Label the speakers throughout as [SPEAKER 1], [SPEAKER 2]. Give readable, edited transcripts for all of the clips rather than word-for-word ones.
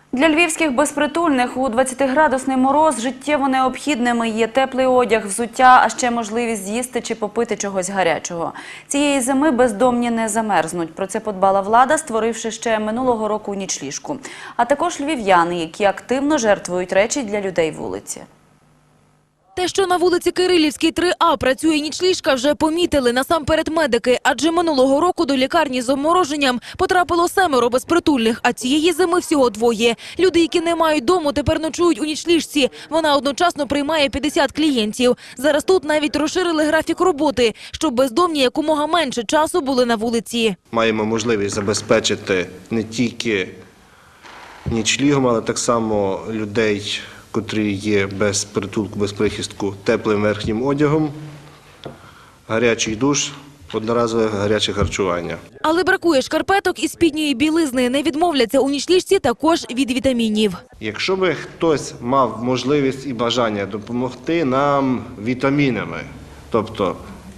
[SPEAKER 1] Для львівських безпритульних у 20-градусний мороз життєво необхідними є теплий одяг, взуття, а ще можливість з'їсти чи попити чогось гарячого. Цієї зими бездомні не замерзнуть. Про це подбала влада, створивши ще минулого року нічліжку. А також львів'яни, які активно жертвують речі для людей вулиці.
[SPEAKER 2] Те, що на вулиці Кирилівській, 3А працює нічліжка, вже помітили насамперед медики. Адже минулого року до лікарні з обмороженням потрапило 7 безпритульних, а цієї зими всього 2. Люди, які не мають дому, тепер ночують у нічліжці. Вона одночасно приймає 50 клієнтів. Зараз тут навіть розширили графік роботи, щоб бездомні якомога менше часу були на вулиці.
[SPEAKER 3] Маємо можливість забезпечити не тільки нічлігом, але так само людей, котрі є без притулку, без прихистку, теплим верхнім одягом, гарячий душ, одноразове гаряче харчування.
[SPEAKER 2] Але бракує шкарпеток і спідньої білизни. Не відмовляться у нічліжці також від вітамінів.
[SPEAKER 3] Якщо би хтось мав можливість і бажання допомогти нам вітамінами, тобто,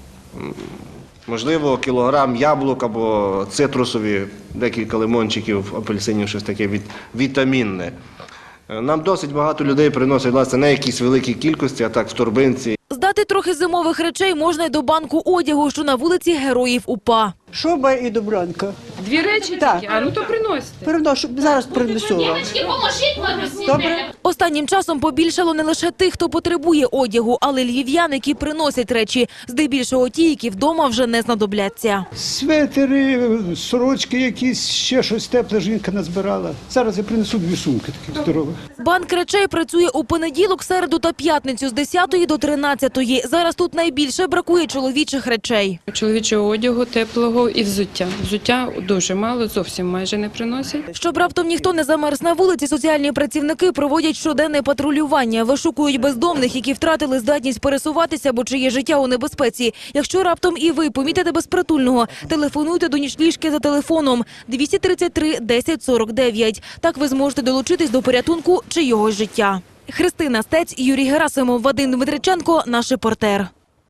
[SPEAKER 3] можливо, кілограм яблук або цитрусові, декілька лимончиків, апельсинів, щось таке вітамінне. Нам досить багато людей приносять, власне, не якісь великі кількості, а так в торбинці.
[SPEAKER 2] Здати трохи зимових речей можна й до банку одягу, що на вулиці Героїв УПА.
[SPEAKER 4] Шуба і добранка.
[SPEAKER 5] 2 речі
[SPEAKER 4] Так.
[SPEAKER 5] тільки? А ну то приносите.
[SPEAKER 4] Переношу, зараз принесу вам. Добре?
[SPEAKER 2] Останнім часом побільшало не лише тих, хто потребує одягу, але й львів'ян, які приносять речі. Здебільшого ті, які вдома вже не знадобляться.
[SPEAKER 6] Светери, сорочки якісь, ще щось тепле жінка назбирала. Зараз я принесу 2 сумки таких здорових.
[SPEAKER 2] Банк речей працює у понеділок, середу та п'ятницю з 10 до 13. Зараз тут найбільше бракує чоловічих речей.
[SPEAKER 5] Чоловічого одягу, теплого і взуття. Взуття дуже мало, зовсім майже не приносять.
[SPEAKER 2] Щоб раптом ніхто не замерз на вулиці, соціальні працівники проводять щоденне патрулювання. Вишукують бездомних, які втратили здатність пересуватися або чиє життя у небезпеці. Якщо раптом і ви помітите безпритульного, телефонуйте до нічліжки за телефоном 233 10 49. Так ви зможете долучитись до порятунку чийогось життя. Христина Стець, Юрій Герасимов, Вадим Дмитриченко, наш репортер.